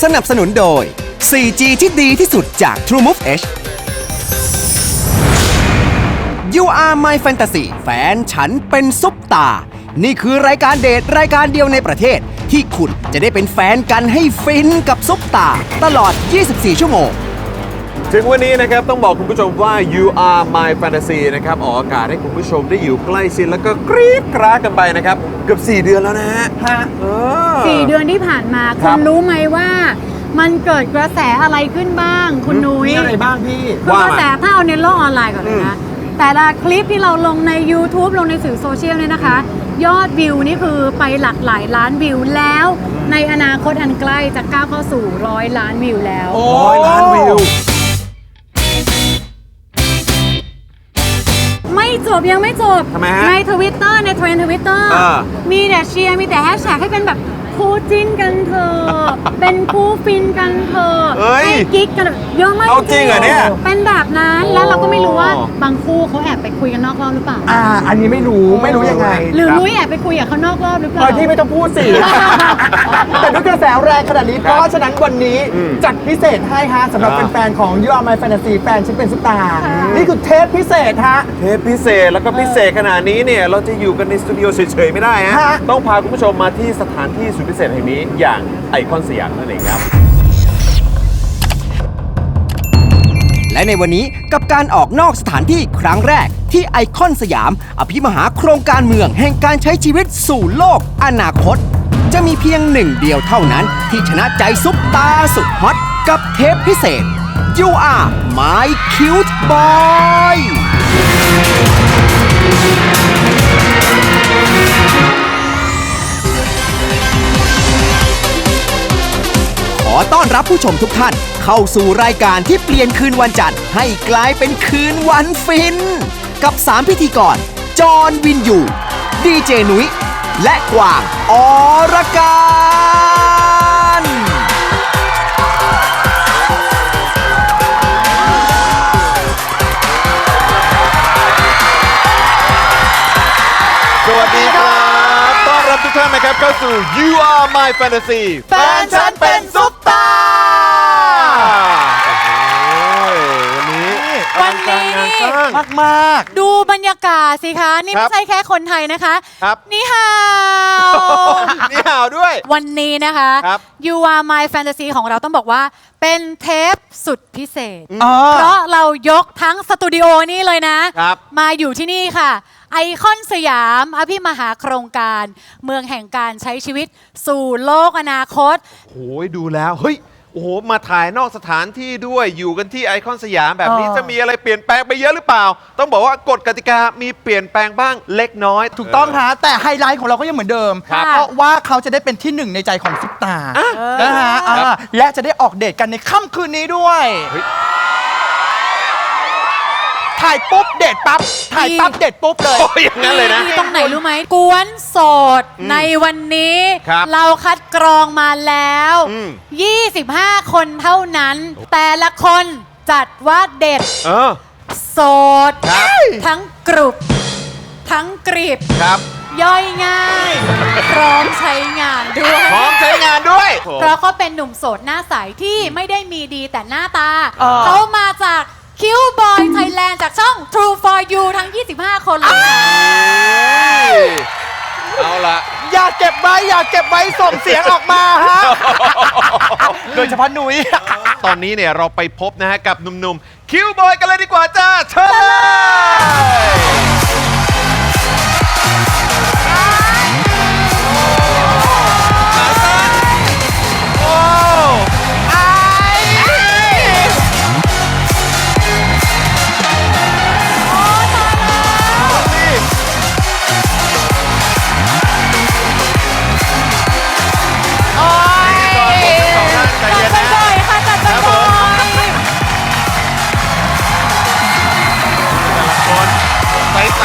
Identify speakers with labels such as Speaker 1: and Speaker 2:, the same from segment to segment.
Speaker 1: สนับสนุนโดย 4G ที่ดีที่สุดจาก TrueMove H You Are My Fantasy แฟนฉันเป็นซุปตานี่คือรายการเดทรายการเดียวในประเทศที่คุณจะได้เป็นแฟนกันให้ฟินกับซุปตาตลอด 24 ชั่วโมง
Speaker 2: ถึงวันนี้นะครับต้องบอกคุณผู้ชมว่า You Are My Fantasy นะครับออกอากาศให้คุณผู้ชมได้อยู่ใกล้ชิดแล้วก็กรี๊ดกราดกันไปนะครับเกือบ4 เดือนแล้วนะฮะ
Speaker 3: 4 เดือนที่ผ่านมาคุณรู้ไหมว่ามันเกิดกระแสอะไรขึ้นบ้างคุณนุ้ย
Speaker 4: มีอะไรบ้างพี่
Speaker 3: กระแสถ้าเอาในโลกออนไลน์ก่อนเลยนะแต่ละคลิปที่เราลงใน YouTube ลงในสื่อโซเชียลเนี่ยนะคะยอดวิวนี่คือไปหลักหลายล้านวิวแล้วในอนาคตอันใกล้จะก้าวเข้าสู่100 ล้านวิวแล้ว
Speaker 2: 100 ล้านวิว
Speaker 3: ไม่จบยังไม่จบใน Twitter ในเทรนด์ Twitter มีแต่เชียร์มีแต่แฮชแท็กให้เป็นแบบคู่จิ้นกันเถอะเป็นคู่ฟินกันเถอะให้กิ๊กกันเยอะมาก
Speaker 2: จริงเหรอเนี่ย
Speaker 3: เป็นแบบนั้นแล้วเราก็ไม่รู้ว่าบางคู่เขาแอบไปคุยกันนอกรอบหรือเปล่า
Speaker 4: อันนี้ไม่รู้ยังไง
Speaker 3: หรือนุ้ยแอบไปคุยกับเขานอกรอบหรือเปล่า
Speaker 4: พี่ไม่ต้องพูดสิแต่ด้วยกระแสแรงขนาดนี้เพราะฉะนั้นวันนี้จัดพิเศษให้ฮะสำหรับแฟนๆของ You Are My Fantasy แฟนฉันเป็นซุปตานี่คือเทปพิเศษฮะ
Speaker 2: เทปพิเศษแล้วก็พิเศษขนาดนี้เนี่ยเราจะอยู่กันในสตูดิโอเฉยๆไม่ได้ฮะต้องพาคุณผู้ชมมาที่สถานที่สุดพิเศษแห่งนี้อย่างไอคอนสยามนั่นเองครับ
Speaker 1: และในวันนี้กับการออกนอกสถานที่ครั้งแรกที่ไอคอนสยามอภิมหาโครงการเมืองแห่งการใช้ชีวิตสู่โลกอนาคตจะมีเพียงหนึ่งเดียวเท่านั้นที่ชนะใจซุปตาสุดฮอตกับเทปพิเศษ You Are My Cute Boyขอต้อนรับผู้ชมทุกท่านเข้าสู่รายการที่เปลี่ยนคืนวันจันทร์ให้กลายเป็นคืนวันฟินกับ 3 พิธีกรจอห์นวินยูดีเจนุ้ยและกวางอรการ
Speaker 2: สวัสดีครับต้อนรับทุกท่านนะครับเข้าสู่ You Are My Fantasy แฟนฉันเป็นซุปตา
Speaker 3: วันนี้
Speaker 4: มาก
Speaker 3: ดูบรรยากาศสิคะนี่ไม่ใช่แค่คนไทยนะคะนี่ฮาว
Speaker 2: ด้วย
Speaker 3: วันนี้นะคะ You Are My Fantasy ของเราต้องบอกว่าเป็นเทปสุดพิเศษเพราะเรายกทั้งสตูดิโอนี่เลยนะมาอยู่ที่นี่ค่ะไอคอนสยามอภิมหาโครงการเมืองแห่งการใช้ชีวิตสู่โลกอนาคต
Speaker 2: โอ้ยดูแล้วเฮ้ยโอ้โหมาถ่ายนอกสถานที่ด้วยอยู่กันที่ไอคอนสยามแบบนี้จะมีอะไรเปลี่ยนแปลงไปเยอะหรือเปล่าต้องบอกว่ากฎกติกามีเปลี่ยนแปลงบ้างเล็กน้อย
Speaker 4: ถูกต้องฮะแต่ไฮไลท์ของเราก็ยังเหมือนเดิมเพราะว่าเขาจะได้เป็นที่หนึ่งในใจของซุปตานะฮะและจะได้ออกเดทกันในค่ำคืนนี้ด้วยถ่ายปุ๊บเดทปั๊บถ่ายปั๊บเดทปุ๊บเลย
Speaker 2: อย่างนั้นเลยนะ
Speaker 3: ตรงไหนรู้ไหมกวนโสดในวันนี้เราคัดกรองมาแล้ว25 คนเท่านั้นแต่ละคนจัดว่าเด็ดโสดทั้งกรุบทั้งกริบย่อยง่ายพร้อมใช้งานด้วยเพราะเขาเป็นหนุ่มโสดหน้าใสที่ไม่ได้มีดีแต่หน้าตาเขามาจากคิวบอยไทยแลนด์จากช่อง True for You ทั้ง25 คนเลย
Speaker 2: เอาละ
Speaker 4: อย่าเก็บไว้ส่งเสียงออกมาฮะโดยเฉพาะนุ้ย
Speaker 2: ตอนนี้เนี่ยเราไปพบนะฮะกับหนุ่มๆคิวบอยกันเลยดีกว่าจ้าเชิญใส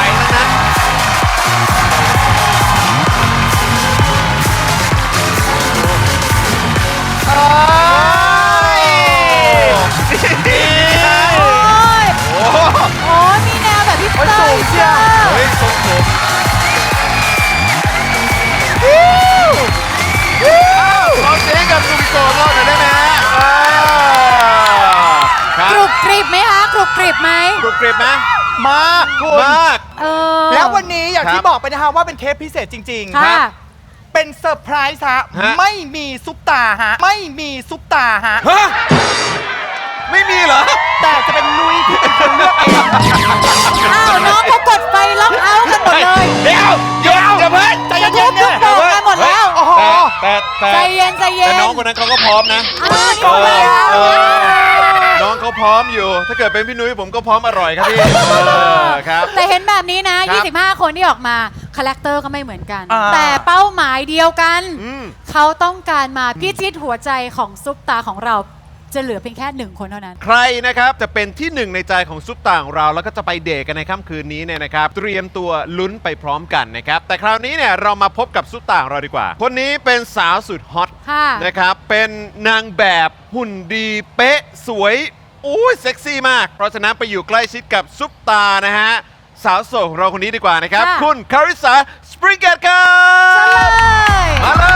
Speaker 3: ริบไหม
Speaker 2: กรุบกริบไหม
Speaker 4: มากคุณ
Speaker 2: มาก
Speaker 3: เออ
Speaker 4: แล้ววันนี้อย่าง
Speaker 2: ครับ
Speaker 4: ที่บอกไปนะคะว่าเป็นเทปพิเศษจริงๆ
Speaker 3: ค่ะ
Speaker 4: เป็นเซอร์ไพรส์ฮะ
Speaker 2: ฮะ
Speaker 4: ไม่มีซุปตาฮะ ไม่มีซุปตาฮะ
Speaker 2: ฮะไม่มีเหรอ
Speaker 4: แต่จะเป็นนุ้ยที่เป็นคนเลือกเอง
Speaker 3: อ้าวน้องเขากดไฟล็อกเอาท์กันหมดเลย
Speaker 2: เดี๋ยวอย่าเพิ่ง
Speaker 4: ใจเย็นๆเนี่ย
Speaker 3: บอกกันหมดแล้ว
Speaker 4: โอ้โห
Speaker 2: แต่
Speaker 3: ใจเย็นใจเย็น
Speaker 2: แต่น้องคนนั้นเขาก็พร้อมนะ
Speaker 3: อ้าวนี่ไง
Speaker 2: เออน้องเขาพร้อมอยู่ ถ้าเกิดเป็นพี่นุ้ยผมก็พร้อมอร่อยครับพี่ครับ
Speaker 3: แต่เห็นแบบนี้นะ
Speaker 2: ครับ
Speaker 3: 25 คนที่ออกมาคาแรคเตอร์ก็ไม่เหมือนกัน
Speaker 4: อ่า
Speaker 3: แต่เป้าหมายเดียวกัน
Speaker 2: อืม
Speaker 3: เขาต้องการมาพิชิตหัวใจของซุปตาของเรา จะเหลือเพียงแค่1คนเท่านั้น
Speaker 2: ใครนะครับจะเป็นที่หนึ่งในใจของซุปตาของเราแล้วก็จะไปเดทกันในค่ำคืนนี้เนี่ยนะครับเตรียมตัวลุ้นไปพร้อมกันนะครับแต่คราวนี้เนี่ยเรามาพบกับซุปตาของเราดีกว่า คนนี้เป็นสาวสุดฮอต
Speaker 3: ค่ะ
Speaker 2: นะครับเป็นนางแบบหุ่นดีเป๊ะสวยอุ้ยเซ็กซี่มาก เพราะฉะนั้นไปอยู่ใกล้ชิดกับซุปตานะฮะสาวโสดของเราคนนี้ดีกว่านะครับ
Speaker 3: ค่ะ
Speaker 2: คุณคาริสาสปริงเกตครับ มาเลย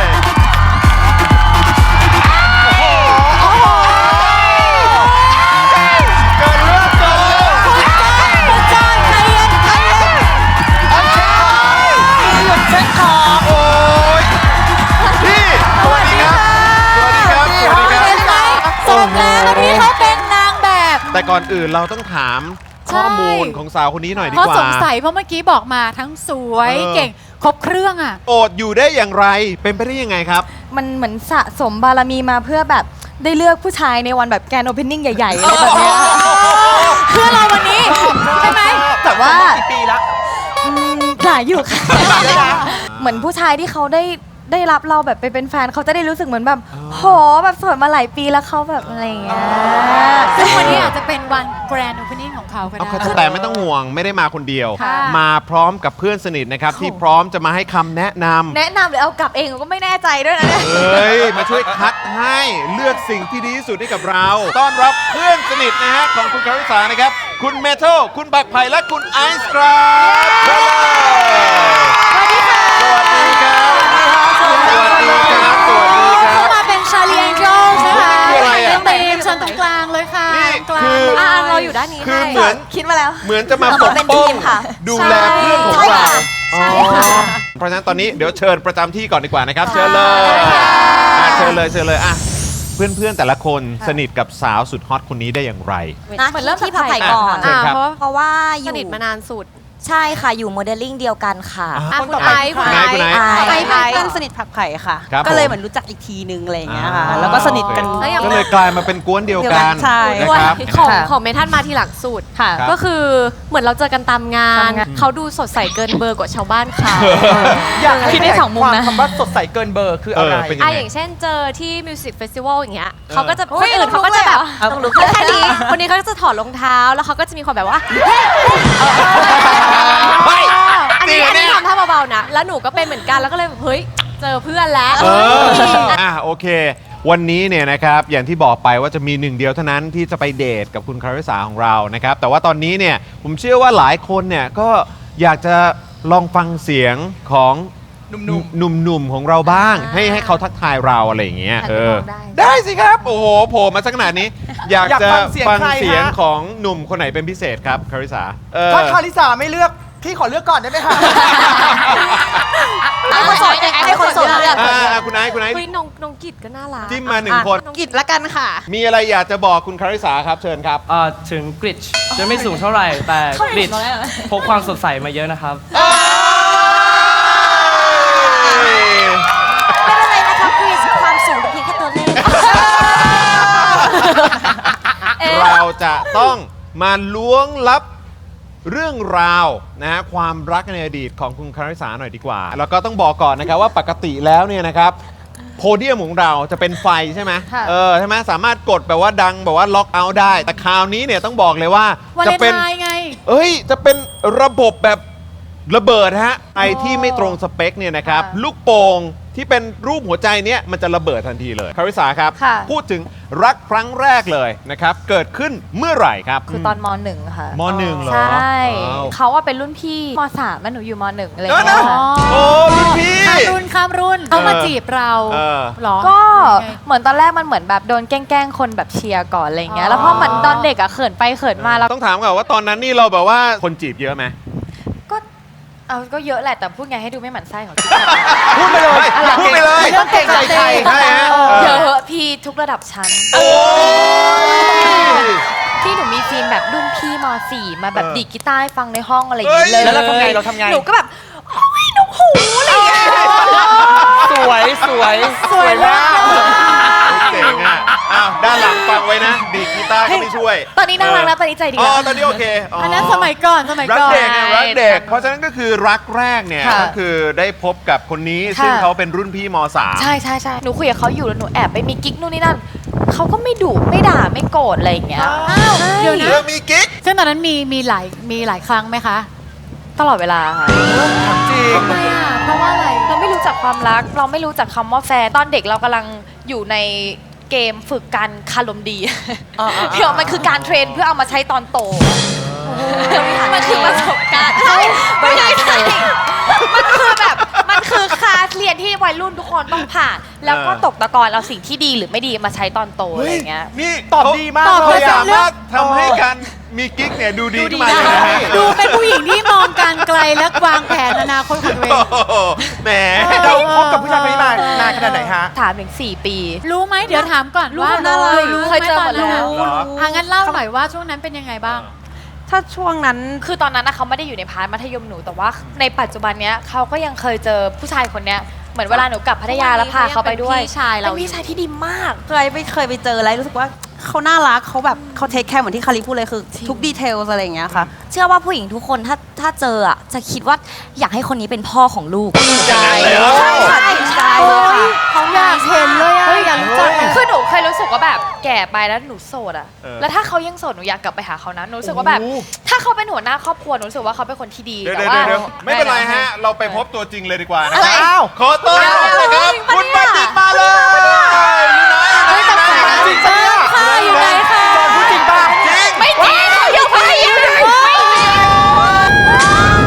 Speaker 2: เกิดเรื่องก่อน
Speaker 3: คุณจอยใจเย็นใจเย็น
Speaker 4: หยุดเช็คคอ
Speaker 2: โอ้ยพี่สวัสดีครับ สวัสดีครับ สวัสดีครับ
Speaker 3: เห็นไหมสมแล้วที่เขาเป็นนางแบบ
Speaker 2: แต่ก่อนอื่นเราต้องถาม
Speaker 3: ใช่
Speaker 2: ข้อมูลของสาวคนนี้หน่อยดี
Speaker 3: เพราะ
Speaker 2: กว่า
Speaker 3: สงสัยเพราะเมื่อกี้บอกมาทั้งสวย
Speaker 2: เออ
Speaker 3: เก่งครบเครื่องอ่ะ
Speaker 2: โอดอยู่ได้อย่างไร เป็นไปได้ยังไงครับ
Speaker 5: มันเหมือนสะสมบารมีมาเพื่อแบบได้เลือกผู้ชายในวันแบบแกรนด์โอเพนนิ่งใหญ่ๆอะไรแบบเนี้ย
Speaker 3: เพื่อเราวันนี้ ใช่ไหม
Speaker 5: แต่ว่า
Speaker 4: กี่ปีละ
Speaker 5: หลายอยู่ค่ะ เหมือนผู้ชายที่เขาได้รับเราแบบไปเป็นแฟนเขาจะได้รู้สึกเหมือนแบบโหแบบโสดมาหลายปีแล้วเขาแบบอะไรอย่างเงี้ย
Speaker 3: ซึ่งวันนี้อาจจะเป็นวัน Grand Opening ของเขาก็ได้
Speaker 2: แต่ไม่ต้องห่วงไม่ได้มาคนเดียว
Speaker 3: ค่ะ
Speaker 2: มาพร้อมกับเพื่อนสนิทนะครับ ที่พร้อมจะมาให้คำแนะนำ
Speaker 5: แนะนำหรือเอากลับเองก็ไม่แน่ใจด้วยนะเนี่ย
Speaker 2: เฮ้ย มาช่วยคัดให้เลือกสิ่งที่ดีที่สุดให้กับเรา ต้อนรับเพื่อนสนิทนะฮะของคุณคาริสานะครับ คุณเมทัลคุณบักไผ่และคุณไอซ์ครับเชิญเลยสวัสดีครับ สวัสดีครับ สวัสดีครับ สวัสดีครั
Speaker 3: เข้า
Speaker 2: บ
Speaker 3: มาเป็นชาเลียงโจลนะคะ
Speaker 2: คืออะไรอะ
Speaker 3: เต็มชั้นตรงกลางเลยค่ะ
Speaker 2: นี่
Speaker 3: กลาง
Speaker 2: คือ
Speaker 3: เลย
Speaker 5: เราอยู่ด้านนี้
Speaker 2: คือ
Speaker 5: ให้
Speaker 2: เหมือน
Speaker 5: คิดมาแล้ว
Speaker 2: เหมือนจะมาปก
Speaker 5: เป็น
Speaker 2: ป้
Speaker 5: ที
Speaker 2: อง
Speaker 5: มค่ะ
Speaker 2: ดูแลเพื่อนของ
Speaker 5: ใช่
Speaker 2: เรา
Speaker 5: ค่ะ
Speaker 2: อ๋อเพราะฉะนั้นตอนนี้เดี๋ยวเชิญประจำที่ก่อนดีกว่านะครับ เชิญเลย
Speaker 3: ค่ะ
Speaker 2: เชิญเลยเชิญเลยอ่ะเพื่อนๆแต่ละคนสนิทกับสาวสุดฮอตคนนี้ได้อย่างไร
Speaker 5: นะเหมือนเริ่มที่ผักไผ่ก่อน
Speaker 2: เชิญครับ
Speaker 5: เพราะว่าอ
Speaker 6: ส
Speaker 5: ยู่
Speaker 6: นิทมานานสุด
Speaker 5: ใช่ค่ะอยู่โมเดลลิ่งเดียวกันค่ะ
Speaker 6: อ่ะ
Speaker 4: คน
Speaker 6: คุ
Speaker 4: ต่อ
Speaker 6: ณ
Speaker 4: ไป
Speaker 6: ไอซ์
Speaker 2: คุ
Speaker 6: คุณ ณ
Speaker 2: ไอ
Speaker 6: ไอ
Speaker 2: ซ์
Speaker 6: ซ์
Speaker 2: คุณไอซ์
Speaker 6: ไอซ์
Speaker 5: ไอซ์
Speaker 6: เพื่อนสนิทผักไผ่ค่ะ
Speaker 2: ครับ
Speaker 6: ก็เลย
Speaker 2: ผม
Speaker 6: เหมือนรู้จักอีกทีนึงอะไรอย่างเงี้ย
Speaker 2: อ่า
Speaker 6: ค่ะ แล้วก็สนิทกัน
Speaker 2: โอเค
Speaker 6: แล้วอย่าง
Speaker 2: ก็เลยกลายมาเป็นกวนเดียวกัน
Speaker 6: ใช่
Speaker 2: นะครับ
Speaker 6: ของเมทัลมาทีหลังสุด
Speaker 2: ครับ
Speaker 6: ก็คือเหมือนเราเจอกันตามงาน เขาดูสดใสเกินเบอร์กว่าชาวบ้านเขา
Speaker 4: อยากให้
Speaker 5: คิดได้สองมุมนะ
Speaker 4: คำว่าสดใสเกินเบอร์คืออะไร
Speaker 2: เป็น
Speaker 6: อย่างเช่นเจอที่มิวสิกเฟสติวัลอย่างเงี้ยเขาก็จะ
Speaker 5: เฮ้
Speaker 6: คน
Speaker 5: ย
Speaker 6: อื่นเขาก็จะแบบ
Speaker 5: ต้องลุก
Speaker 6: แค่นี้คนนี้เขาก็จะถอดรองเท้าแล้วเขาก็จะมีความแบบว่า
Speaker 2: เฮ้ย
Speaker 6: อันนี้
Speaker 2: จริงเหรอเนี่ย
Speaker 6: ทำท่าเบาๆนะแล้วหนูก็เป็นเหมือนกันแล้วก็เลยแบบเฮ้ยเจอเพื่อนแล้ว
Speaker 2: โอเค วันนี้เนี่ยนะครับอย่างที่บอกไปว่าจะมีหนึ่งเดียวเท่านั้นที่จะไปเดทกับคุณคาริสาของเรานะครับแต่ว่าตอนนี้เนี่ยผมเชื่อว่าหลายคนเนี่ยก็อยากจะลองฟังเสียงของ
Speaker 4: หนุ่ม
Speaker 2: หนุ่มๆของเราบ้าง ให้เขาทักทายเราอะไรอย่างเงี้ย
Speaker 5: อยากลองได้
Speaker 2: ได้สิครับ โอ้โหโผล่มาสักขนาดนี้ อยากจะ
Speaker 4: อยากฟังเสียง
Speaker 2: ฟัง
Speaker 4: ใคร
Speaker 2: เสียง
Speaker 4: ฮะ
Speaker 2: ของหนุ่มคนไหนเป็นพิเศษครับคาริสา
Speaker 4: ถ้าคาริสาไม่เลือก พี่ขอเลือกก่อนได้ไหมคะ
Speaker 5: ให้คนโสดให้คนโสดเลือก
Speaker 2: คุณไอซ์คุณไอซ์
Speaker 6: เฮ้ยน้องกิจก็น่ารัก
Speaker 2: จิ้มมาหนึ่งคน
Speaker 6: น้องกิจละกันค่ะ
Speaker 2: มีอะไรอยากจะบอกคุณคาริสาครับเชิญครับ
Speaker 7: ถึงกริชจะไม่สูงเท่าไหร่ แต่กริชพกความสดใสมาเยอะนะครับ
Speaker 5: ไม่เป็นไรนะคะคริสความสูงเป็นเพียงแค่ตัวเลข
Speaker 2: เราจะต้องมาล้วงลับเรื่องราวนะฮะความรักในอดีตของคุณคาริสาหน่อยดีกว่า แล้วก็ต้องบอกก่อนนะครับว่าปกติแล้วเนี่ยนะครับโพเดียมของเราจะเป็นไฟใช่ไหม
Speaker 3: ค่ะ
Speaker 2: ใช่ไหมสามารถกดแบบว่าดังแบบว่าล็อกเอาท์ได้ แต่คราวนี้เนี่ยต้องบอกเลยว่า
Speaker 3: วัน
Speaker 2: จะ
Speaker 3: เลน
Speaker 2: เป็น
Speaker 3: ไทน์ไง
Speaker 2: จะเป็นระบบแบบระเบิดฮะไอที่ไม่ตรงสเปคเนี่ยนะครับ
Speaker 3: ค่ะ
Speaker 2: ลูกโป่งที่เป็นรูปหัวใจเนี้ยมันจะระเบิดทันทีเลยคาริสาครับ
Speaker 5: ค่ะ
Speaker 2: พูดถึงรักครั้งแรกเลยนะครับเกิดขึ้นเมื่อไหร่ครับ
Speaker 5: คือตอนม .1 ค่ะ
Speaker 2: มหนึ่งเหรอ
Speaker 5: ใช่
Speaker 2: ว้าว
Speaker 5: เขาว่าเป็นรุ่นพี่ม .3 แล้วหนูอยู่ม .1 อะไรอ
Speaker 2: เออย่าง
Speaker 5: เงี้
Speaker 2: นะ
Speaker 5: ยค่ะ
Speaker 2: โอ้รุ่นพี่
Speaker 3: ข้ามรุ่นข้ามรุ่นเขามาจีบเรา
Speaker 2: เออ
Speaker 3: เหรอ
Speaker 5: ก็
Speaker 3: ยังไง
Speaker 5: เหมือนตอนแรกมันเหมือนแบบโดนแกล้งๆคนแบบเชียร์ก่อนอะไรเงี้ยแล้วพอเหมือนตอนเด็กอะเขินไปเขินมาแล้ว
Speaker 2: ต้องถามก่อนว่าตอนนั้นนี่เราแบบว่าคนจีบเยอะไหม
Speaker 5: ก็ก็เยอะแหละแต่พูดไงให้ดูไม่หมั่นไส้ของพี่
Speaker 4: พูดไปเลย
Speaker 2: พูดไปเลย
Speaker 4: ไม่ต้องเกรงใจใคร
Speaker 2: ใช่ฮะ
Speaker 5: เยอะพี่ทุกระดับชั้น
Speaker 2: โอ้ย
Speaker 5: ที่หนูมีซีนแบบรุ่นพี่ม .4 มาแบบดีดกีตาร์ให้ฟังในห้องอะไรอย่างเงี้ย
Speaker 2: เฮ้ย
Speaker 5: เลย
Speaker 4: แล้วเราทำไงเราทำไง
Speaker 5: หนูก็แบบโอ้ยนกหูอะไรอย่างเงี้ย
Speaker 7: สวยสวย
Speaker 3: สวยมาก
Speaker 2: เก่งอ่ะอ้าวด้านหลังฟังไว้นะ ดีดกีตาร์ก็ไม่ช่วย
Speaker 5: ตอนนี้น่ารักแล้วตอนนี้ใจดี
Speaker 2: อ๋อ
Speaker 5: แล้ว
Speaker 2: ตอนนี้โอเค
Speaker 3: อันนั้นสมัยก่อนสมัย
Speaker 2: รัก
Speaker 3: ก่อน
Speaker 2: เด็กไงรักเด็ก เพราะฉะนั้นก็คือรักแรกเนี่ย
Speaker 5: ค่ะ
Speaker 2: ก็คือได้พบกับคนนี้
Speaker 5: ค่ะ
Speaker 2: ซึ่งเขาเป็นรุ่นพี่ม .3
Speaker 5: ใช่ใช่ใช่หนูคุยกับเขาอยู่แล้วหนูแอบไปมีกิ๊กนู่นนี่นั่นเขาก็ไม่ดุไม่ด่าไม่โกรธอะไรอย่างเงี้ย
Speaker 3: อ้าวเดี๋ยวนะ
Speaker 2: เรื่องมีกิ๊ก
Speaker 3: ซึ่งตอนนั้นมีหลายครั้งไหมคะ
Speaker 5: ตลอดเวลาค่ะ
Speaker 4: จริง
Speaker 3: ทำไมอ่ะเพราะว่าอะไร
Speaker 5: เราไม่รู้จักความรัก เราไม่รู้จักคำว่าแฟนตอนเด็กเรากำลังอยู่ในเกมฝึกการคารมดีเดี๋ยวมันคือการเทรนเพื่อเอามาใช้ตอนโตมันคือประสบการณ์ใช่ไม่ใช่มันคือแบบมันคือคลาสเรียนที่วัยรุ่นทุกคนต้องผ่าน แล้วก็ตกตะกอนเอาสิ่งที่ดีหรือไม่ดีมาใช้ตอนโตอะไรอย่างเงี้ย
Speaker 2: นี่
Speaker 4: ตอบดีมาก
Speaker 3: ตอบ
Speaker 2: เขา
Speaker 3: ได้
Speaker 2: สามารถทำให้การมีกิ๊กเนี่ยดูดีขึ้นมาเลยนะฮะ
Speaker 3: ดูเป็นผู้หญิงที่มองการไกลและวางแผนอนาคตของตัวเอง
Speaker 2: โอ้โหแหม
Speaker 4: เราคบกับผู้ชายคนนี้มานานขนาดไหนฮะ
Speaker 5: ถามถึง4 ปี
Speaker 3: รู้ไหมเดี๋ยวถามก่อนว่า
Speaker 5: รู้
Speaker 3: รู้
Speaker 5: เคยเจอหมดแล้ว
Speaker 3: งั้นเล่าหน่อยว่าช่วงนั้นเป็นยังไงบ้าง
Speaker 5: ถ้าช่วงนั้นคือตอนนั้นนะเขาไม่ได้อยู่ในพาร์ทมัธยมหนูแต่ว่าในปัจจุบันเนี้ยเขาก็ยังเคยเจอผู้ชายคนเนี้ยเหมือนเวลาหนูกลับพัทยาแล้วพาเขาไปด้วย
Speaker 6: เป็นพี่ชายเรา
Speaker 5: เป็นพี่ชายที่ดีมาก
Speaker 8: เคยไปเจอแล้วรู้สึกว่าเขาน่ารักเขาแบบเขาเทคแคร์เหมือนที่คาริพูดเลยคือทุกดีเทลอะไรอย่างเงี้ยค่ะ
Speaker 9: เชื่อว่าผู้หญิงทุกคนถ้าเจออ่ะจะคิดว่าอยากให้คนนี้เป็นพ่อของลูก
Speaker 2: ใช่เลยเหรอ
Speaker 9: ใช่ค่ะใช่ค่ะ
Speaker 3: เขาอยากเห็นเลยอะอยากรู้จักอะ
Speaker 5: คือหนูเคยรู้สึกว่าแบบแก่ไปแล้วหนูโสดอะแล้วถ้าเขายังโสดหนูอยากกลับไปหาเขานะหนูรู้สึกว่าแบบถ้าเขาเป็นหัวหน้าครอบครัวหนูรู้สึกว่าเขาเป็นคนที่ดี
Speaker 2: เดี๋ยว
Speaker 5: แต่
Speaker 2: เดี๋ยว
Speaker 5: ว่า
Speaker 2: เดี๋ยวไม่เป็นไรฮะ เราไปพบตัวจริงเลยดีกว่านะ
Speaker 5: อะไร
Speaker 2: ครับ
Speaker 4: อ้าว
Speaker 2: ขอต้อนรับนะครับ คุณบัณฑิตมาเลยอยู่ไหนอยู่ไหน
Speaker 4: จริงปะเนี่ย
Speaker 3: ค่ะอยู่ไหนคะ
Speaker 4: จอนพูดจริงป่ะ
Speaker 2: จริง
Speaker 5: ไม่จริงเขาอยู่พัทยาไม่จริง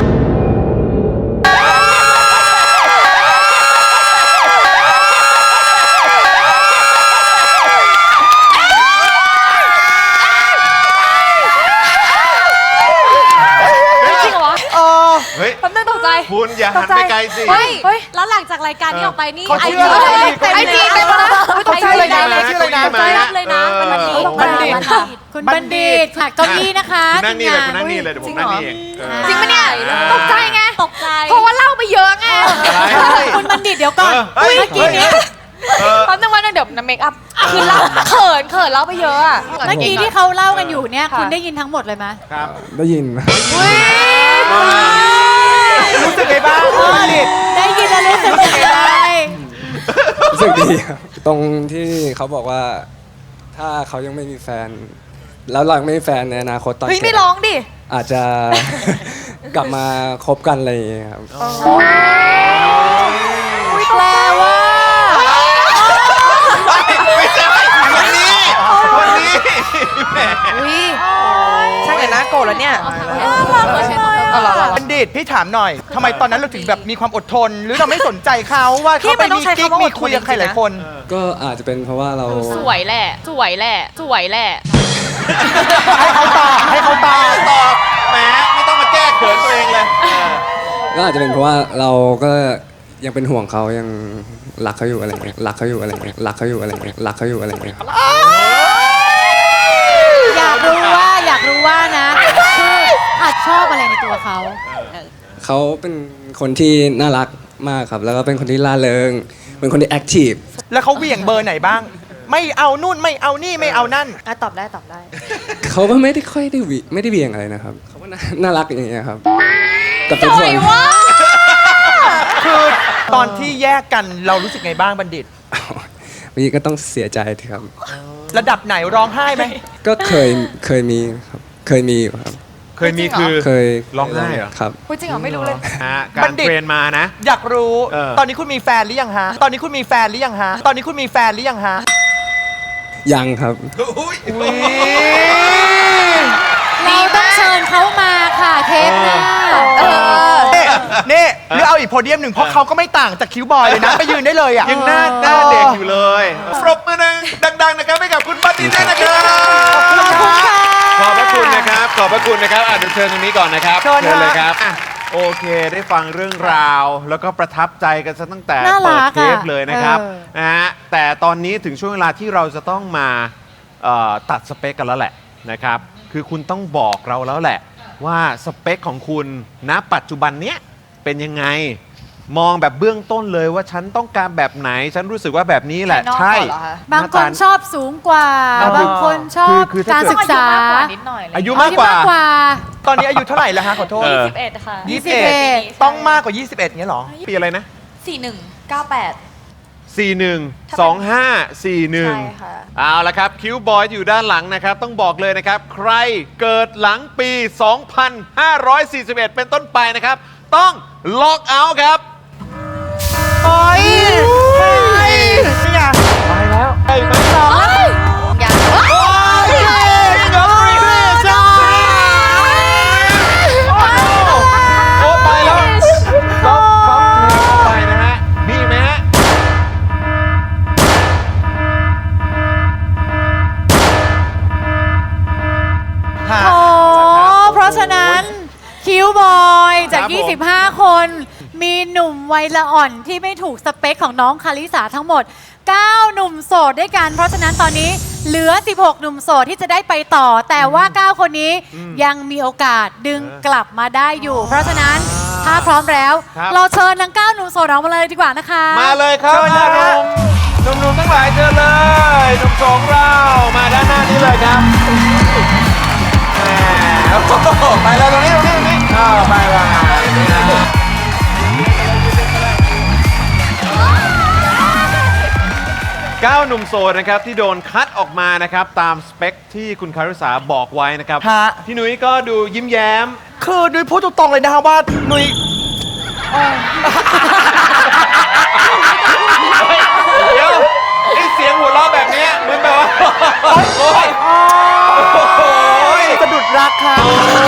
Speaker 5: จริงเหรอ
Speaker 2: เฮ้ย
Speaker 5: แป๊บนึงตกใจ
Speaker 2: คุณอย่าหันไปไกลสิ
Speaker 6: เฮ้ย แล้วหลังจากรายการนี้ออกไปนี่
Speaker 4: เขา
Speaker 6: ไอ
Speaker 4: เชื่
Speaker 6: จี
Speaker 4: อ
Speaker 5: ไอจีเป็นคนละ
Speaker 4: เขาชื่ออะไรนะเขาชื่ออะไรนะ
Speaker 2: ใช่
Speaker 6: รับเลยนะมันดี
Speaker 4: บัณฑิต
Speaker 3: คุณบัณฑิตค่ะเก้าอี้นะคะ
Speaker 2: คุณนั่งนี่เลย
Speaker 3: ที
Speaker 2: คุณ
Speaker 3: ม
Speaker 2: นั่ง
Speaker 3: งา
Speaker 2: นี่เลยเดี๋ยวผมนั่งนี่เอง
Speaker 5: จริงปะเนี่ยตกใจไง
Speaker 6: ตกใจ
Speaker 5: เพราะว่าเล่าไปเยอะไง
Speaker 3: คุณบัณฑิตเดี๋ยวก่อน
Speaker 2: เฮ้ย
Speaker 3: เมื่อกี้นี้
Speaker 5: แป๊บนึงวันนึงเดี๋ยวน้ำเมคอัพคือเล่าเขินเล่าไปเยอะอะ
Speaker 3: เมื่อกี้ที่เขาเล่ากันอยู่เนี่ย
Speaker 5: ค่ะ
Speaker 3: คุณได้ยินทั้งหมดเลยไหม
Speaker 2: ครับ
Speaker 10: ได้ยิน
Speaker 4: รู้สึกไงบ้างบัณฑิต
Speaker 3: ได้ยินแล้วรู้สึกยังไง
Speaker 10: รู้สึกดีครับ ตรงที่เขาบอกว่า ถ้าเขายังไม่มีแฟน แล้วเรายังไม่มีแฟนในอนาคตตอน
Speaker 5: เฮ้ย
Speaker 10: แก่
Speaker 5: ไม่ร้องดิ
Speaker 10: อาจจะ กลับมาคบกันอะไรอย่างเงี้ยครับ
Speaker 3: แปลว่า
Speaker 2: ไม่ใช่คนนี้คนนี้แหม
Speaker 8: ใช่เลยนะโกรธแล้วเนี่ย
Speaker 4: บัณฑิตพี่ถามหน่อยทำไมตอนนั้นเราถึงแบบมีความอดทน หรือเราไม่สนใจเขาว่า
Speaker 8: พี่
Speaker 4: เขาไป
Speaker 8: มันต้อ
Speaker 4: มี
Speaker 8: งใช้
Speaker 4: กิ๊ก
Speaker 8: คำว่า
Speaker 4: มีคุยกับใครหลายคน
Speaker 10: ก็อาจจะเป็นเพราะว่าเรา
Speaker 5: สวยแหละ สวยแหละ สวยแหละ
Speaker 4: ให้เขาตอบให้เขาตอบ
Speaker 2: ตอบแหมไม่ต้องมาแก้เขินตัวเองเลย
Speaker 10: ก็อาจจะเป็นเพราะว่าเราก็ยังเป็นห่วงเขายังรักเขาอยู่อะไรอย่างเงี้ยรักเขาอยู่อะไรอย่างเงี้ยรักเขาอยู่อะไรอย่างเงี้ยรักเขาอยู่อะไรอย่างเงี้ยครับ
Speaker 3: อยากรู้ว่านะคืออาจชอบอะไรในตัวเขา
Speaker 10: เขาเป็นคนที่น่ารักมากครับ แล้วก็เป็นคนที่ร่าเริง เป็นคนที่แอคทีฟ
Speaker 4: แล้วเขาเหวี่ยงเบอร์ไหนบ้าง ไม่เอานู่นไม่เอานี่ไม่เอานั่น
Speaker 5: ตอบได้ตอบได้
Speaker 10: เขาก็ไม่ได้ค่อยได้ไม่ได้เบี่ยงอะไรนะครับ เขาก็น่ารักอย่างเงี้ยครับกับทุกคน
Speaker 4: คือตอนที่แยกกันเรารู้สึกไงบ้างบัณฑิต
Speaker 10: บางทีก็ต้องเสียใจทีครับ
Speaker 4: ระดับไหนร้องไห้ไหม
Speaker 10: ก็เคยมีครับ เคยมีอยู่ครับ
Speaker 2: เคยมีคือ
Speaker 10: เคย
Speaker 2: ร้องไห้เหรอ
Speaker 10: ครับ
Speaker 5: พูดจริงเหรอไม่รู้เลย
Speaker 2: การเทรนมานะ
Speaker 4: อยากรู้
Speaker 2: เออ
Speaker 4: ตอนนี้คุณมีแฟนหรือยังฮะ ตอนนี้คุณมีแฟนหรือยังฮะ ตอนนี้คุณมีแฟนหรือยังฮะ
Speaker 10: ยังครับ
Speaker 3: เราต้องเชิญเขามาค่ะเทปหน้า
Speaker 4: นี่หรือเอาอีกโพเดียมหนึ่งเพราะเขาก็ไม่ต่างจากคิวบอยเลยนะ ไปยืนได้เลยอ่ะ
Speaker 2: ยังหน้าเด็กอยู่เลยปรบมือดังๆนะครับให้กับคุณบัตตี้ด้วยนะครับขอบพระคุณนะครับขอบพระคุณนะครับเดี๋ยวเชิญตรงนี้ก่อนนะครับ
Speaker 4: เชิญฮะ
Speaker 2: เลยครับโอเคได้ฟังเรื่องราว แล้วก็ประทับใจกันซะตั้งแต่
Speaker 3: น่ารั
Speaker 2: เปิด
Speaker 3: ก
Speaker 2: เทป
Speaker 3: อะ
Speaker 2: เลยนะครับ
Speaker 3: เออ
Speaker 2: นะฮะแต่ตอนนี้ถึงช่วงเวลาที่เราจะต้องมาตัดสเปคกันแล้วแหละนะครับคือคุณต้องบอกเราแล้วแหละว่าสเปคของคุณณปัจจุบันเนี้ยเป็นยังไงมองแบบเบื้องต้นเลยว่าฉันต้องการแบบไหน ฉันรู้สึกว่าแบบนี้แหละ
Speaker 5: ภายนอก
Speaker 2: ใช่
Speaker 5: ก่อนเหรอคะ
Speaker 3: บางคนชอบสูงกว่า บางคนชอบ
Speaker 2: คือถ้า
Speaker 3: การศึกษา
Speaker 5: อายุมากกว่านิดหน่อยเลย
Speaker 2: อายุมากกว่า
Speaker 4: ตอนนี้อายุเท่าไหร่แล้วฮะขอโทษ
Speaker 5: 21 ค่ะ
Speaker 4: 21 ต้องมากกว่า 21เงี้ยเหรอ
Speaker 2: ปีอะไรนะ
Speaker 5: 4198
Speaker 2: 41
Speaker 5: ใช่
Speaker 2: 2541
Speaker 5: ค่ะ
Speaker 2: เอาละครับคิวบอยอยู่ด้านหลังนะครับ ต้องบอกเลยนะครับ ใครเกิดหลังปี 2541 เป็นต้นไปนะครับ ต้องล็อกเอาท์ครับ
Speaker 4: โอ้ยนี่ไง
Speaker 2: ไปแล้วไปไหม
Speaker 5: อย่าง
Speaker 2: โอ้ยน้องรีใช่โอ้ไปแล้วก๊อฟไปนะฮะมีไหมฮะ
Speaker 3: โอ้เพราะฉะนั้นคิวบอยจาก
Speaker 2: ครับผม
Speaker 3: 25 คน มีหนุ่มวัยละอ่อนที่ไม่ถูกสเปคของน้องคาริสาทั้งหมด 9 หนุ่มโสดด้วยกัน เพราะฉะนั้นตอนนี้เหลือ 16 หนุ่มโสดที่จะได้ไปต่อ แต่ว่า 9 คนนี้ยังมีโอกาสดึงกลับมาได้อยู่ เพราะฉะนั้นถ้าพร้อมแล้ว
Speaker 2: ครับ
Speaker 3: เราเชิญทั้ง 9 หนุ่มโสดออกมาเลยดีกว่านะคะ
Speaker 2: มาเลยครับ
Speaker 4: เชิญนะฮะ
Speaker 2: หนุ่มๆทั้งหลายเชิญเลยหนุ่มสองเรามาด้านหน้านี้เลยครับแหมโอ้โหไปแล้วตรงนี้ไปแล้ว9 หนุ่มโสดนะครับที่โดนคัดออกมานะครับตามสเปคที่คุณคาริสาบอกไว้นะครับ
Speaker 4: ฮะ
Speaker 2: พี่นุ้ยก็ดูยิ้มแย้ม
Speaker 4: คือนุ้ยพูดตรงๆเลยนะครับว่านุ้ย
Speaker 2: เดี๋ยวไอเสียงหัวเราะแบบเนี้ยเหมือนแบบว่าโอ๊ย
Speaker 4: สะดุดรักค่ะ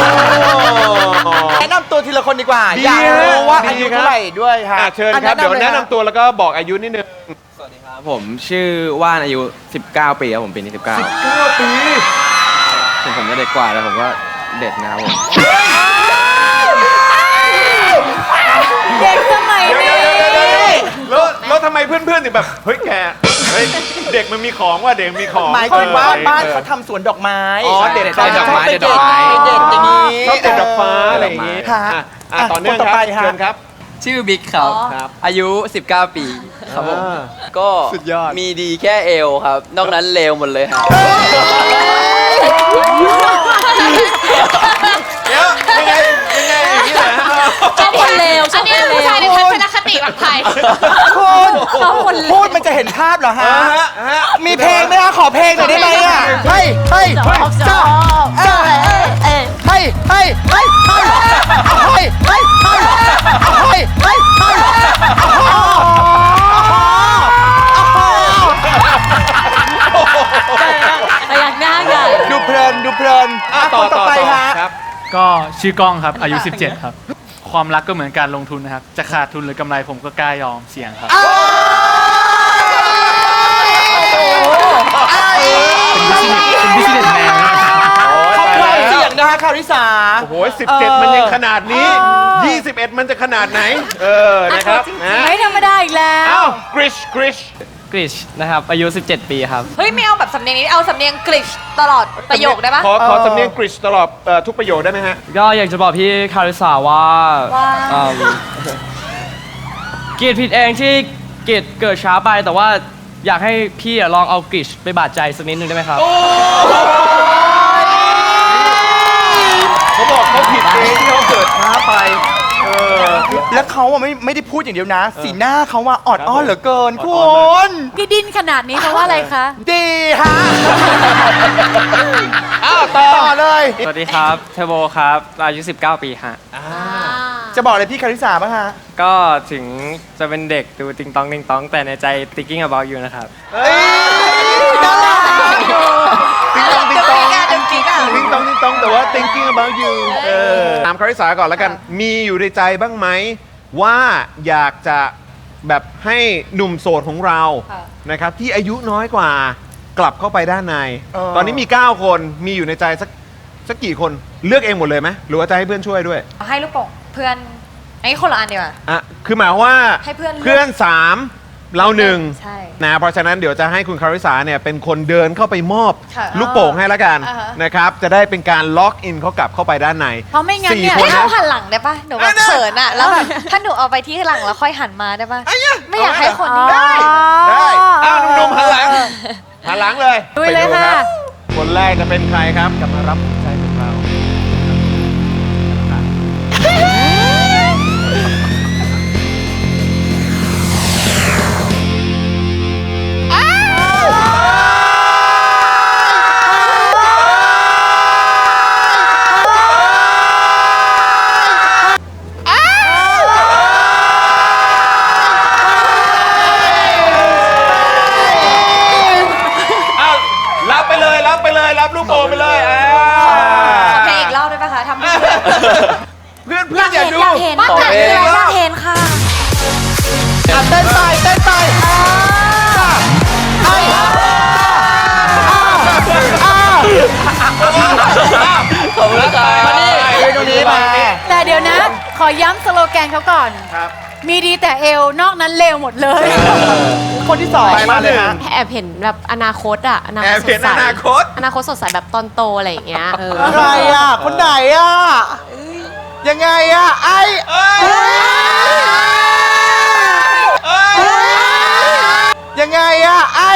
Speaker 4: แนะนำตัวทีละคนดีกว่า
Speaker 2: ดี
Speaker 4: อยากรู้ว่า
Speaker 2: ดี
Speaker 4: อายุ
Speaker 2: ครับ
Speaker 4: เท่าไหร่ด้วยฮะ
Speaker 2: เชิญครับ เดี๋ยวแนะนำตัวแล้วก็บอกอายุนิดนึง
Speaker 11: ผมชื่อว่านอายุ 19 ปีครับผมปีนี้19
Speaker 2: 9 ปี
Speaker 11: ถึงผมจะเด็กกว่าแต่ผมก็เด็ดนะครับผม
Speaker 3: เด็กสมัยนี้
Speaker 2: แล้วทำไมเพื่อนๆถึงแบบ เฮ้ยแก เฮ้ย เด็กมันมีของว่ะเด็กมีของ
Speaker 4: หมายถึงว่าบ้านเขาทำสวนดอกไม้
Speaker 2: อ๋อเด็ด
Speaker 4: เขา
Speaker 11: ดอกไม้
Speaker 4: ไป
Speaker 11: เด็ดดอกไม้
Speaker 4: เด็ดอย่างนี้
Speaker 2: ชอบเด็ดดอกฟ้าอะไรอย่างงี้
Speaker 4: ค่ะ
Speaker 2: ต่อเนื่อง
Speaker 4: คนต่อ
Speaker 2: ครับ
Speaker 4: ไปฮะ
Speaker 2: เชิญครับ
Speaker 11: ชื่อบิ๊กครับ
Speaker 2: ครับ
Speaker 11: อายุ 19 ปีครับผม ก็
Speaker 2: สุดยอด
Speaker 11: มีดีแค่เอวครับ นอกนั้นเลวหมดเลยครับ
Speaker 2: เดี๋ยวยังไงอย่างนี้เหรอ
Speaker 5: ชอบคนเลวชอบคนเลวผู้ชายในทัศนคติแบบไทย
Speaker 4: คุณพูดมันจะเห็นภาพเหรอฮะ
Speaker 2: ฮะ
Speaker 4: มีเพลงไหมฮะขอเพลงหน่อยได้ไหมอ่ะเฮ้ยเฮ้ยเฮ้ยเฮ้ยเฮ้ยเฮ้ยเฮ้ยเฮ้ยเฮ้ยเฮ้ยเฮ้ยเฮ้ยเฮ้ยเฮ้ย
Speaker 6: พยักหน้าใหญ่
Speaker 4: ดูเพลินดูเพลินคนต่อไปฮะ
Speaker 2: ครับ
Speaker 7: ก็ชื่อกล้องครับ อายุ 17 ครับ ความรักก็เหมือนการลงทุนนะครับ จะขาดทุนหรือกำไรผมก็กล้ายอมเสี่ยงครับ เป็นบิสเนสแมน
Speaker 4: เขาใครเสียงนะฮะคาริสา
Speaker 2: โอ้โห17 มันยังขนาดนี้ 21 มันจะขนาดไหน นะครับนะ
Speaker 3: ไม่ธรรมดาอีกแล้ว
Speaker 2: เอ้า กริช
Speaker 7: กริชนะครับ อายุ 17 ปีครับ
Speaker 5: เฮ้ย ไม่เอาแบบสำเนียงนี้ เอาสำเนียงกริชตลอดประโยคได้ปะ
Speaker 2: ขอสำเนียงกริชตลอดทุกประโยคได้ไหมฮะ
Speaker 7: ก็อยากจะบอกพี่คาริสาว่าเกียรติผิดเองที่เกียรติเกิดช้าไป แต่ว่าอยากให้พี่ลองเอากริชไปบาดใจสักนิดนึงได้ไหมครับ
Speaker 2: เขาบอกเขาผิดเองที่เขาเกิดช้าไป
Speaker 4: แล้วเขาอะไม่ได้พูดอย่างเดียวนะ สีหน้าเขาว่าออดอ้อนเหลือเกินคุณ
Speaker 3: ที่ดิ้นขนาดนี้เพราะว่าอะไรคะ
Speaker 4: ดีฮะ
Speaker 2: อ้าวต่อเลย
Speaker 7: สวัสดีครับเทโบครับอายุ 19 ปีฮะ
Speaker 4: จะบอกอะไรพี่คาริสาบ้างฮะ
Speaker 7: ก็ถึงจะเป็นเด็กดูติงตองติงตองแต่ในใจ thinking about you นะครับ
Speaker 4: น่ารัก
Speaker 2: ติ๊งตองติ๊งตองติ๊งตองติ๊งตองติ๊งตองแต่ว่า thinking about you ถามคาริสาก่อนแล้วกัน มีอยู่ในใจบ้างไหมว่าอยากจะแบบให้หนุ่มโสดของเรานะครับที่อายุน้อยกว่ากลับเข้าไปด้านใน ตอนนี้มี 9 คนมีอยู่ในใจสักกี่คนเลือกเองหมดเลยไหมหรือว่าจะให้เพื่อนช่วยด้วย
Speaker 5: ให้ลูกโป่งเพื่อนไอ้คนละอันดีกว่า
Speaker 2: อ่ะคือหมายว่า
Speaker 5: ให้เพื่อนเลือก
Speaker 2: เพื่อน3เรา1
Speaker 5: ใช่
Speaker 2: นะเพราะฉะนั้นเดี๋ยวจะให้คุณคาริสาเนี่ยเป็นคนเดินเข้าไปมอบ
Speaker 5: ค่ะ
Speaker 2: ลูกโป่งให้ละกัน
Speaker 5: อ่าฮะ
Speaker 2: นะครับจะได้เป็นการล็อกอินเขากลับเข้าไปด้านใน
Speaker 3: เพราะไม่งั้นเนี่ย
Speaker 2: 4 คน
Speaker 5: ให้
Speaker 2: นะ
Speaker 5: เขาหันหลังได้ปะหนูแบบเขินอะแล้วแบบถ้าหนูเอาไปที่หลังแล้วค่อยหันมาได้ปะไม่อยากให้คนนี้
Speaker 2: ได้ได้อ้าวหนุ่มๆหันหลังหันหลังเลย
Speaker 3: ลุยเลย
Speaker 2: ไปดู
Speaker 3: ค่ะ
Speaker 2: รับคนแรกจะเป็นใครครับกลับมารับหัวใจของเรา อ้าวรับไปเลยรับไปเลยรับลูกโป่งไปเลย
Speaker 5: ขอเพลงอีกรอบได้ปะคะทำให้
Speaker 2: เพื่อนเพื่อนอยากดู
Speaker 9: อยากเห็น
Speaker 2: ต่อเพลง
Speaker 9: อยากเห็นค่ะ
Speaker 4: เต้นไปเต้นไป
Speaker 2: ขอบคุณครับมานี่ตรงนี้มา
Speaker 3: แต่เดี๋ยวนะ ขอย้ำสโลแกนเขาก่อน
Speaker 2: ครับ
Speaker 3: มีดีแต่เอว นอกนั้นเลวหมดเลย
Speaker 4: คนที่สอง
Speaker 2: ไปมา
Speaker 4: เลยฮะ
Speaker 6: แอบเห็นแบบอนาคตอะอนา
Speaker 2: แอ
Speaker 6: ค
Speaker 2: บ
Speaker 6: ตส
Speaker 2: เห็
Speaker 6: ด
Speaker 2: น
Speaker 6: ใส
Speaker 2: อนาคต
Speaker 6: อนาคตสดใสแบบตอนโตอะไรอย่างเงี้ย
Speaker 4: ใครอ่ะ คนไหนอ่ะ ยังไงอ่ะ ไอ้ยังไงอ่ะ ไอ้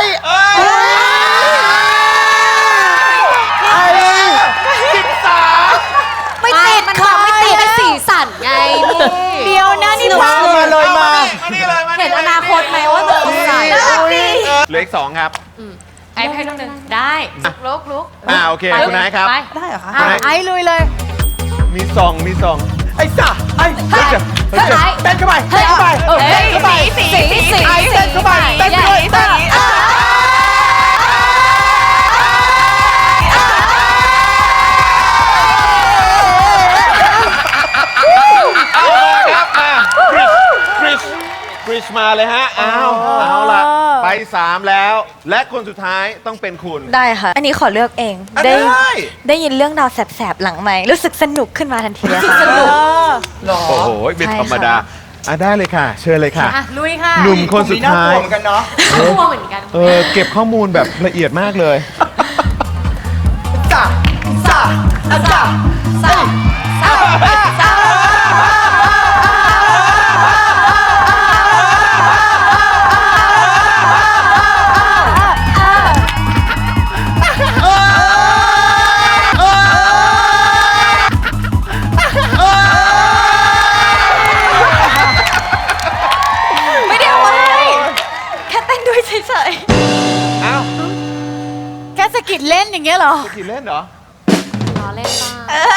Speaker 6: ไม่ติดค่ะไม่ติดเป็นสีสันไง
Speaker 3: เดียวนะนี่
Speaker 4: มาเลยมา
Speaker 2: นี่เลยมา
Speaker 6: เห็นอนาคตไหมว่าจะสดใส
Speaker 2: เหลืออีก 2 ครับ
Speaker 5: ไอ้ให้ลูกหนึ่ง
Speaker 6: ได้
Speaker 5: ลุก
Speaker 2: โอเคคุณนายครับ
Speaker 5: ไป
Speaker 8: ได้เหรอคะ
Speaker 3: อ่ะไอ้ลุยเลย
Speaker 2: มีซอง
Speaker 4: ไอ้ซ่าไอ้เต้นเข้าไปเต้นเข้าไปเต้นเข้าไป
Speaker 5: สี
Speaker 4: ไอ้เต้นเข้าไปเต้นไปด้วยเต้น
Speaker 2: เอามาครับมาคริสมาเลยฮะเอาละไป 3 แล้ว และคนสุดท้ายต้องเป็นคุณ
Speaker 5: ได้ค่ะ อันนี้ขอเลือกเอง ได้ยินเรื่องดาวแสบๆหลังไหมค์รู้สึกสนุกขึ้นมาทันทีเลยค่ะ
Speaker 4: หรอ
Speaker 2: โอ้โหเป็นธรรมดาได้เลยค่ะ เชิญเลยค่ะ
Speaker 3: อ่ะ ลุยค่ะ
Speaker 2: หนุ่มคนสุดท้าย
Speaker 4: ผมมีน่ากลัวเหมือนกันเนาะ
Speaker 6: กลัวเหมือนกัน
Speaker 2: เก็บข้อมูลแบบละเอียดมากเลย
Speaker 4: ซ่าซ่าซ่าซ่า
Speaker 5: ไม่ได้เอาไว้แค่เต้นด้วยเฉย
Speaker 2: เอ้า
Speaker 3: แค่สะกิดเล่นอย่างเงี้ยเหรอ
Speaker 2: กี่เล่นเหรอ
Speaker 6: ล้อเล่นบ้าง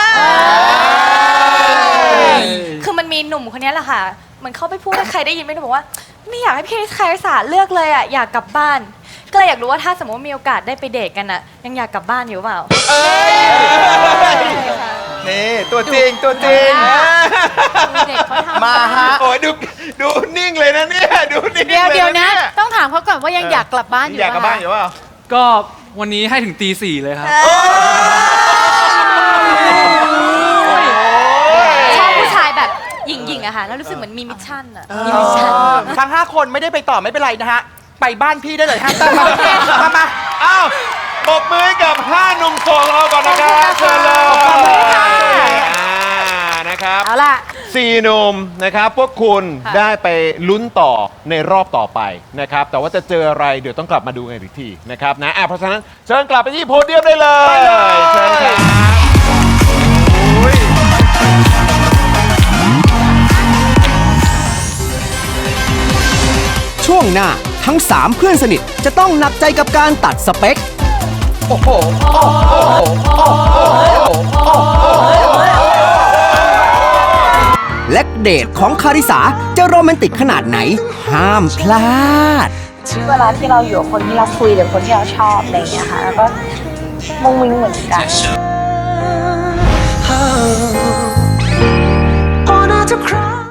Speaker 5: ๆคือมันมีหนุ่มคนนี้แหละค่ะเหมันเขาไปพูดให้ใครได้ยินไม่รู้บอกว่า ไม่อยากให้พี่คาริสาเลือกเลยอ่ะอยากกลับบ้าน ก็เลยอยากรู้ว่าถ้าสมมติว่ามีโอกาสได้ไปเดทกันอ่ะยังอยากกลับบ้านอยู่เปล่า
Speaker 4: นี่ตัวจริงตัวจริง
Speaker 6: เด็กเขาทำ
Speaker 4: มาฮะ
Speaker 2: โอ้ยดูนิ่งเลยนะเนี่ยดูนิ่ง
Speaker 3: เดี๋ยว
Speaker 2: เลย
Speaker 3: เดี๋ยวนะ
Speaker 2: เย
Speaker 3: ต้องถามเขาก่อนว่ายังอยากกลับบ้านอยู่
Speaker 2: อยากกลับบ้านอยู่เปล่า
Speaker 7: ก็วันนี้ให้ถึงตี 4เลยครับ
Speaker 5: ชอบผู้ชายแบบหญิงๆอะค่ะแล้วรู้สึกเหมือนมีมิชชั่นอะมีมิชชั่น
Speaker 4: ทั้ง 5 คนไม่ได้ไปต่อไม่เป็นไรนะฮะ ไปบ้านพี่ได้เลยฮะมา
Speaker 2: อ้าวปรบมือให้กับ 5 หนุ่มโสดของเราก่อนนะครับเชิญเลยนะครับ
Speaker 3: เอาล่ะ
Speaker 2: 4 หนุ่มนะครับพวกคุณได้ไปลุ้นต่อในรอบต่อไปนะครับแต่ว่าจะเจออะไรเดี๋ยวต้องกลับมาดูกันอีกทีนะครับนะเพราะฉะนั้นเชิญกลับไปที่โพเดียมได้เลยเชิญครับโอ้ย
Speaker 1: ช่วงหน้าทั้ง 3 เพื่อนสนิทจะต้องหนักใจกับการตัดสเปคและเดทของคาริสาจะโรแมนติกขนาดไหน ห้ามพลาด
Speaker 5: เวลาที่เราอยู่กับคนที่เราคุยหรือคนที่เราชอบอะไรอย่างเงี้ยค่ะแล้วก็มุ้งมิ้งเหมือนกัน